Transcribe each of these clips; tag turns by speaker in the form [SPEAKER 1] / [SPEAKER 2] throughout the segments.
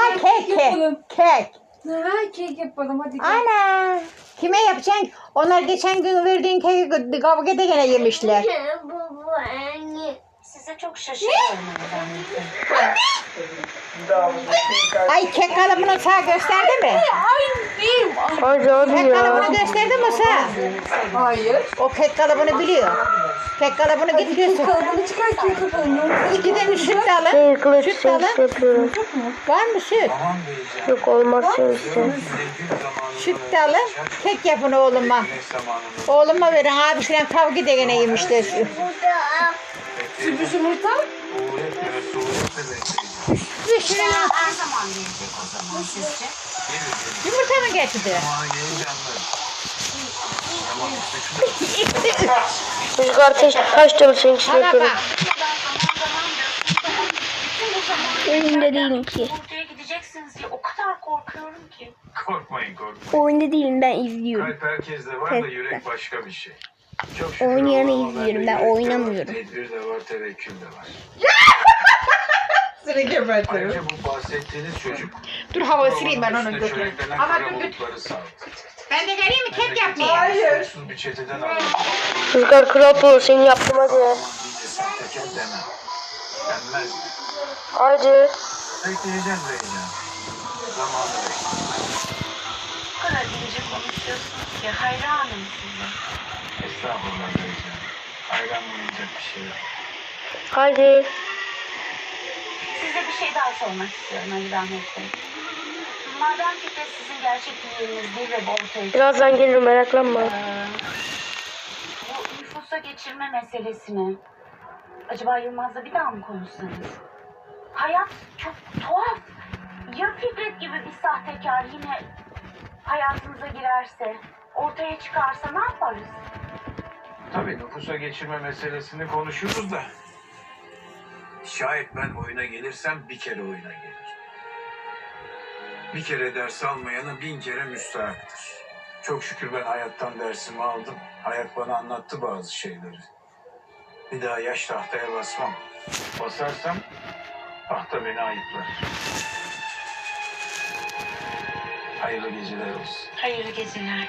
[SPEAKER 1] kek. Kek.
[SPEAKER 2] Ha, kek yapalım hadi gel.
[SPEAKER 1] Ana. Kime yapacaksın? Onlar geçen gün verdiğin keki kavgada gene yemişler.
[SPEAKER 3] Size çok şaşırıyorum.
[SPEAKER 1] Ay kek kalıbını sağ gösterdi mi?
[SPEAKER 2] Ay değil.
[SPEAKER 4] Hadi hadi
[SPEAKER 1] Kek
[SPEAKER 4] ya.
[SPEAKER 1] kalıbını gösterdi mi sağ?
[SPEAKER 2] Hayır.
[SPEAKER 1] O kek kalıbını biliyor. Kek kalıbını
[SPEAKER 2] Kek
[SPEAKER 1] getiriyorsun.
[SPEAKER 2] kalıbını çıkar kek kalıbını.
[SPEAKER 1] İki tane süt de alın.
[SPEAKER 4] Şey kılıç
[SPEAKER 1] Süt de alın.
[SPEAKER 4] yapıyorum.
[SPEAKER 1] Var mı süt?
[SPEAKER 4] Yok olmazsa işte.
[SPEAKER 1] Süt de alın. Kek yapın oğluma. Oğluma verin. Abisiyle kavga da gene yemişler.
[SPEAKER 2] Sürpriz yumurta.
[SPEAKER 1] Düşünün.
[SPEAKER 3] Her zaman gelecek o zaman sizce?
[SPEAKER 1] Yumurta mı getirdi?
[SPEAKER 4] Rüzgar kaç çalışın işte
[SPEAKER 1] Bana
[SPEAKER 4] yapıyorum.
[SPEAKER 1] bak.
[SPEAKER 4] Oyunda değilim ki.
[SPEAKER 3] Ortaya gideceksiniz diye o kadar korkuyorum ki.
[SPEAKER 5] Korkmayın korkmayın.
[SPEAKER 4] Oyunda değilim, ben izliyorum.
[SPEAKER 5] Kalp herkeste var da yürek başka bir şey. Çok şükür
[SPEAKER 4] Oynayanı
[SPEAKER 5] Allah'a
[SPEAKER 4] izliyorum,
[SPEAKER 5] bende
[SPEAKER 4] ben
[SPEAKER 5] yürek de var,
[SPEAKER 4] oynamıyorum.
[SPEAKER 5] Tedbir de var, tevekkül de var.
[SPEAKER 1] Seni gebertirim.
[SPEAKER 5] Ayrıca bu bahsettiğiniz çocuk
[SPEAKER 1] Dur hava sileyim ben onun
[SPEAKER 5] üstüne
[SPEAKER 1] götünü.
[SPEAKER 5] çöreklenen
[SPEAKER 1] Ama
[SPEAKER 5] kara
[SPEAKER 1] dur götür.
[SPEAKER 5] bulutları sağdı.
[SPEAKER 1] Ben de geleyim mi kek yapmaya?
[SPEAKER 5] Hayır. Suçsuz bir çeteden aldım.
[SPEAKER 4] Rüzgar kral pro, seni yaptım hadi.
[SPEAKER 5] Aman diyece sahtekar demem. Denmez.
[SPEAKER 4] Hadi.
[SPEAKER 5] Bekleyeceğim Reycan. Zamanı bekleyeceğim.
[SPEAKER 3] O kadar ince konuşuyorsunuz ki hayranım size.
[SPEAKER 5] Estağfurullah Reycan. Hayran bulunacak bir şey yok.
[SPEAKER 4] Hadi.
[SPEAKER 3] Size bir şey daha sormak istiyorum Ali Rahmet Bey. Madem Fikret sizin gerçek yeğeniniz değil ve bu ortaya çıktı.
[SPEAKER 4] Birazdan gelirim, meraklanma.
[SPEAKER 3] Bu nüfusa geçirme meselesini acaba Yılmaz'la bir daha mı konuşsanız? Hayat çok tuhaf. Ya Fikret gibi bir sahtekar yine hayatımıza girerse, ortaya çıkarsa ne yaparız?
[SPEAKER 5] Tabii nüfusa geçirme meselesini konuşuruz da. Şayet ben oyuna gelirsem bir kere oyuna gelir. Bir kere ders almayanı 1000 kere müstahaktır. Çok şükür ben hayattan dersimi aldım. Hayat bana anlattı bazı şeyleri. Bir daha yaş tahtaya basmam. Basarsam tahta beni ayıplar. Hayırlı geceler olsun.
[SPEAKER 3] Hayırlı geceler.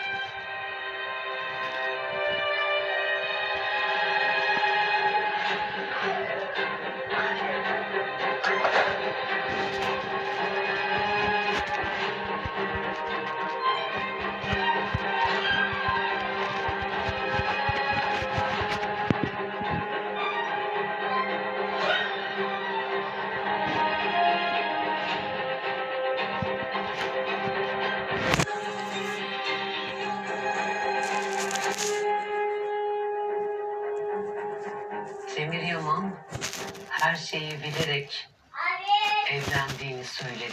[SPEAKER 6] Demir Yaman her şeyi bilerek evlendiğini söyledi.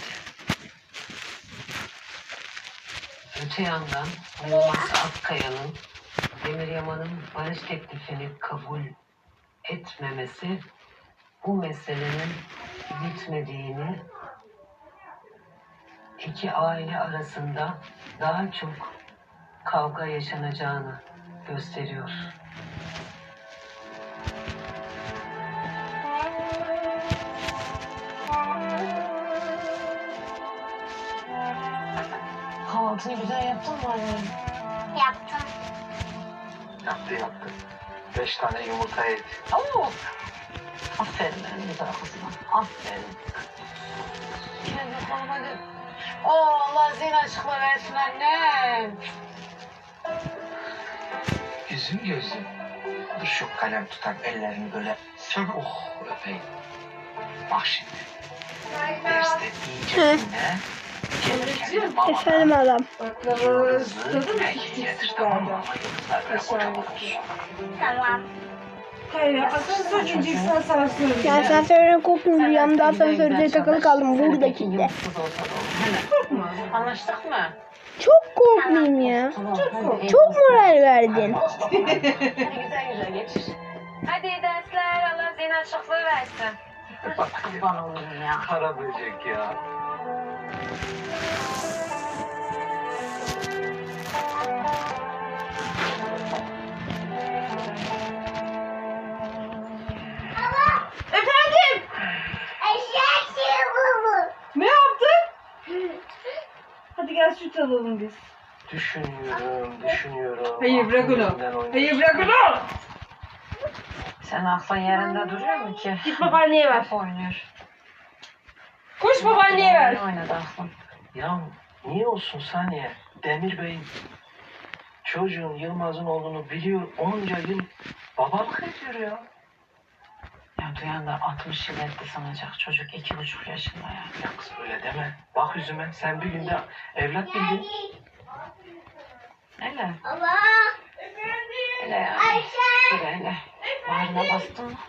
[SPEAKER 6] Öte yandan Yılmaz Akkaya'nın Demir Yaman'ın barış teklifini kabul etmemesi bu meselenin bitmediğini, iki aile arasında daha çok kavga yaşanacağını gösteriyor. Kahvaltını güzel yaptın mı anne?
[SPEAKER 3] Yaptım.
[SPEAKER 5] Yaptı. 5 tane yumurta yedi.
[SPEAKER 6] Oo! Aferin benim güzel kızıma. Aferin. Yine bir konu hadi. Oo, Allah zihin açıkla versin annem.
[SPEAKER 5] Yüzüm gözüm. Dur şu kalem tutan ellerini böyle öpeyim. Bak şimdi. Derste iyice dinle.
[SPEAKER 4] Efendim adam.
[SPEAKER 5] Yıldızlı belki getir tamam mı? Ama yıldızlar böyle kocaman olsun.
[SPEAKER 3] Tamam.
[SPEAKER 2] Hayır asansör ineceksin asansör.
[SPEAKER 4] Ya asansörden korktum, rüyamda asansörde takılı kaldım buradaki de.
[SPEAKER 6] Anlaştık mı?
[SPEAKER 4] Çok korkmayayım ya.
[SPEAKER 6] Tamam.
[SPEAKER 4] Çok moral verdin.
[SPEAKER 6] Hadi güzel güzel geçir. Hadi iyi dersler. Allah zihin açıklığı versin. Kurban olurum ya.
[SPEAKER 5] Para böcek ya.
[SPEAKER 2] Efendim? Ne yaptın? biraz süt alalım biz.
[SPEAKER 7] Düşünüyorum.
[SPEAKER 2] Hayır bırak onu.
[SPEAKER 7] Aklımdan oynuyor.
[SPEAKER 2] Hayır bırak onu.
[SPEAKER 6] Sen aklın yerinde duruyor mu ki?
[SPEAKER 2] Git babaanneye ver.
[SPEAKER 6] Top oynuyor.
[SPEAKER 2] Koş babaanneye ver.
[SPEAKER 6] Ne oynadı aklın?
[SPEAKER 7] Ya niye olsun saniye? Demir Bey çocuğun Yılmaz'ın olduğunu biliyor. Onca yıl babalık ediyor ya.
[SPEAKER 6] Ya duyan da 60 yıl etti sanacak. Çocuk 2,5 yaşında ya.
[SPEAKER 7] Ya kız öyle deme. Bak yüzüme. Sen bir günde evlat bildin.
[SPEAKER 6] Hele. Hele ya. Hele hele. Bağrına bastın mı?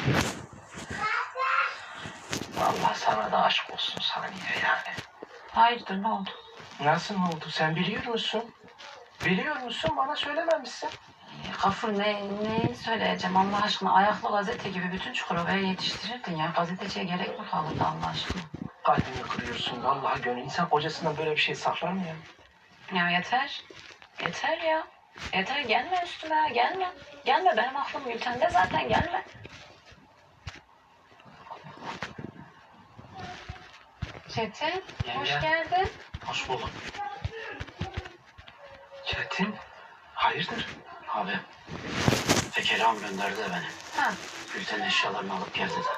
[SPEAKER 7] Allah sana da aşk olsun saniye yani.
[SPEAKER 6] Hayırdır ne oldu?
[SPEAKER 7] Nasıl oldu? Sen biliyor musun? Biliyor musun? Bana söylememişsin.
[SPEAKER 6] Gafur neyi söyleyeceğim Allah aşkına? Ayaklı gazete gibi bütün Çukurova'ya yetiştirirdin ya. Gazeteciye gerek mi kalırdı Allah aşkına?
[SPEAKER 7] Kalbimi kırıyorsun. Vallahi gönül. İnsan kocasından böyle bir şey saklar mı ya?
[SPEAKER 6] Ya yeter. Yeter ya. Yeter gelme üstüme gelme. Gelme benim aklım Gülten'de zaten gelme. Çetin hoş
[SPEAKER 7] Yenge.
[SPEAKER 6] geldin.
[SPEAKER 7] Hoş bulduk. Çetin, hayırdır?
[SPEAKER 8] Abi, Fekeri ağam gönderdi de beni.
[SPEAKER 6] Ha.
[SPEAKER 8] Gülten eşyalarını alıp geldi de.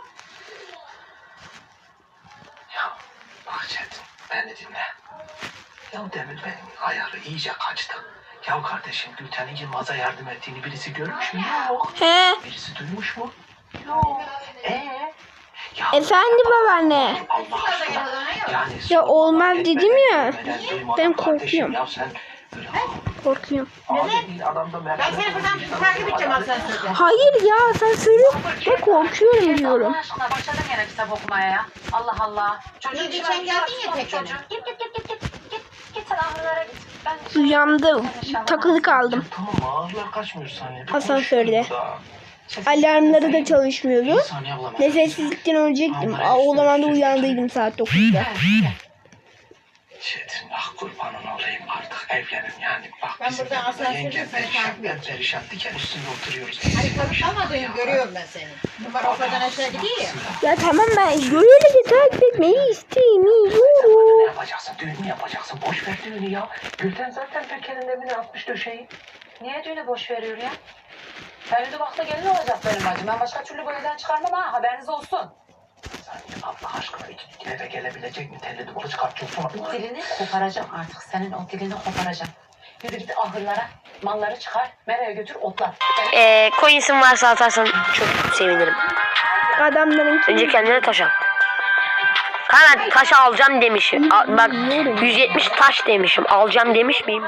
[SPEAKER 7] Ya bak Çetin, beni dinle. Ya demin benim ayarı iyice kaçtı. Ya kardeşim Gülten'in Yılmaz'a yardım ettiğini birisi görmüş mü? Yok.
[SPEAKER 4] He.
[SPEAKER 7] Birisi duymuş mu? Yok. Ya
[SPEAKER 4] Efendim babaanne.
[SPEAKER 7] Allah aşkına. Yani
[SPEAKER 4] Ya olmaz dedim ya.
[SPEAKER 7] Ben
[SPEAKER 4] Ben korkuyorum.
[SPEAKER 7] Ya sen böyle
[SPEAKER 4] Korkuyorum.
[SPEAKER 7] abi değil adamda
[SPEAKER 1] Ben seni buradan takip edeceğim asansörde.
[SPEAKER 4] Hayır ya sen söyle. Ben korkuyorum diyorum.
[SPEAKER 6] Allah aşkına başladım yine kitap okumaya ya. Allah Allah. Çocuğun
[SPEAKER 1] Geçen
[SPEAKER 6] içine
[SPEAKER 1] geldin ya
[SPEAKER 6] sokma
[SPEAKER 1] tek
[SPEAKER 6] çocuğu. Git. Git sen ahırlara git. Ben
[SPEAKER 4] Uyandım. Takılı kaldım.
[SPEAKER 7] tamam ağırlar kaçmıyor saniye. Bir
[SPEAKER 4] Asansörde.
[SPEAKER 7] konuşuyoruz daha.
[SPEAKER 4] Alarmları da çalışmıyordu.
[SPEAKER 8] Bir saniye abla.
[SPEAKER 4] Nefessizlikten ölecektim. O zaman da uyandıydım saat 9'da.
[SPEAKER 7] Çetin ah kurbanın olayım artık evlenin yani bak
[SPEAKER 1] Ben
[SPEAKER 7] bizim
[SPEAKER 1] burada asansörde
[SPEAKER 7] yengem
[SPEAKER 1] seni
[SPEAKER 7] perişan
[SPEAKER 1] takip
[SPEAKER 7] ben
[SPEAKER 1] edeceğim.
[SPEAKER 7] perişan diken üstünde oturuyoruz.
[SPEAKER 1] Hani kanıtlamadığını görüyorum ben seni. Numara oradan aşağı gidiyor ya.
[SPEAKER 4] Ya tamam ben öyle takip etmeyi
[SPEAKER 7] Ne
[SPEAKER 4] istemiyorum.
[SPEAKER 7] yapacaksın düğün mü yapacaksın boş ver düğünü ya. Gülten zaten Peker'in evine atmış döşeyi.
[SPEAKER 6] Niye düğünü boş veriyor ya? Feride vakti gelin olacak benim bacım. Ben başka türlü bu evden çıkarmam ha. Haberiniz olsun.
[SPEAKER 7] Saniye Allah aşkına iki eve gelebilecek mi telli duvarı çıkartıyorsun.
[SPEAKER 6] Dilini koparacağım artık. Senin o dilini koparacağım. Yürü git ahırlara. Malları çıkar. Mera'ya götür otla.
[SPEAKER 9] Coins'in varsa atarsan çok sevinirim.
[SPEAKER 4] Adamların
[SPEAKER 9] Önce kendine taş al. Kanka taş alacağım demişim. Bak 170 taş demişim. Alacağım demiş miyim?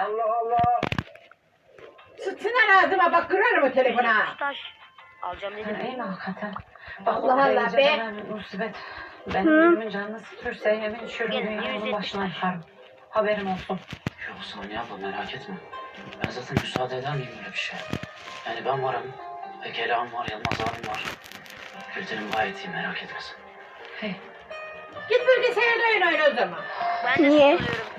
[SPEAKER 1] Sıtsın ağzıma bak kırarım o telefona.
[SPEAKER 9] Taş. Alacağım dedim.
[SPEAKER 6] Değil mi hakikaten? Bak
[SPEAKER 1] Allah
[SPEAKER 6] Allah
[SPEAKER 1] Allah be.
[SPEAKER 6] Allah be. Musibet. Benim ölümün canını sıkırsa yemin içiyorum dünyanın başına yıkarım. Haberin olsun.
[SPEAKER 8] Yok saniye abla merak etme. Ben zaten müsaade eder miyim öyle bir şey? Yani ben varım. Fekeri ağam var, Yılmaz abim var. Gülten'im gayet iyi merak etmesin.
[SPEAKER 6] Hey.
[SPEAKER 1] Git bilgisayarda oyna o zaman.
[SPEAKER 4] niye?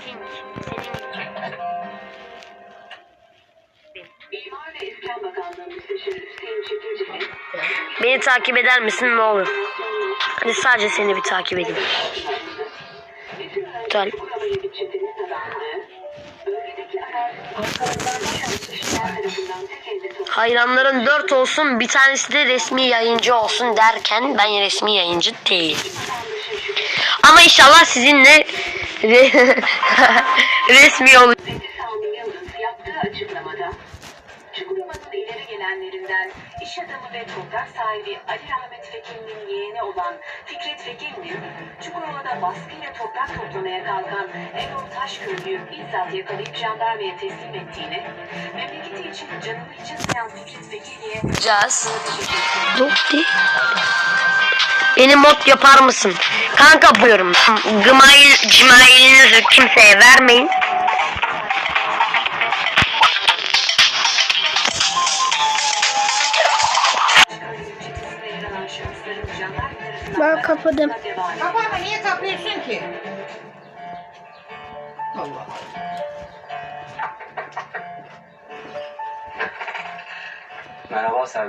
[SPEAKER 9] Beni takip eder misin ne olur? Hadi sadece seni bir takip edeyim. Güzel. Hayranların 4 olsun, bir tanesi de resmi yayıncı olsun derken ben resmi yayıncı değilim. Ama inşallah sizinle resmi olur.
[SPEAKER 3] Sami Yıldız yaptığı açıklamada Çukurova'nın ileri gelenlerinden iş adamı ve toprak sahibi Ali Rahmet Fekir'in yeğeni olan Fikret Fekir'in Çukurova'da baskıyla toprak toplamaya kalkan Erol Taşköylü'yü bizzat yakalayıp jandarmaya teslim ettiğini, memleketi için canını için sayan Fikret Fekir'e
[SPEAKER 9] Yapacağız. Beni mod yapar mısın? Kanka buyurun. Cimailinizi kimseye vermeyin.
[SPEAKER 4] Ben kapadım.
[SPEAKER 1] Kapama niye kapıyorsun ki?
[SPEAKER 7] Merhaba Selvi.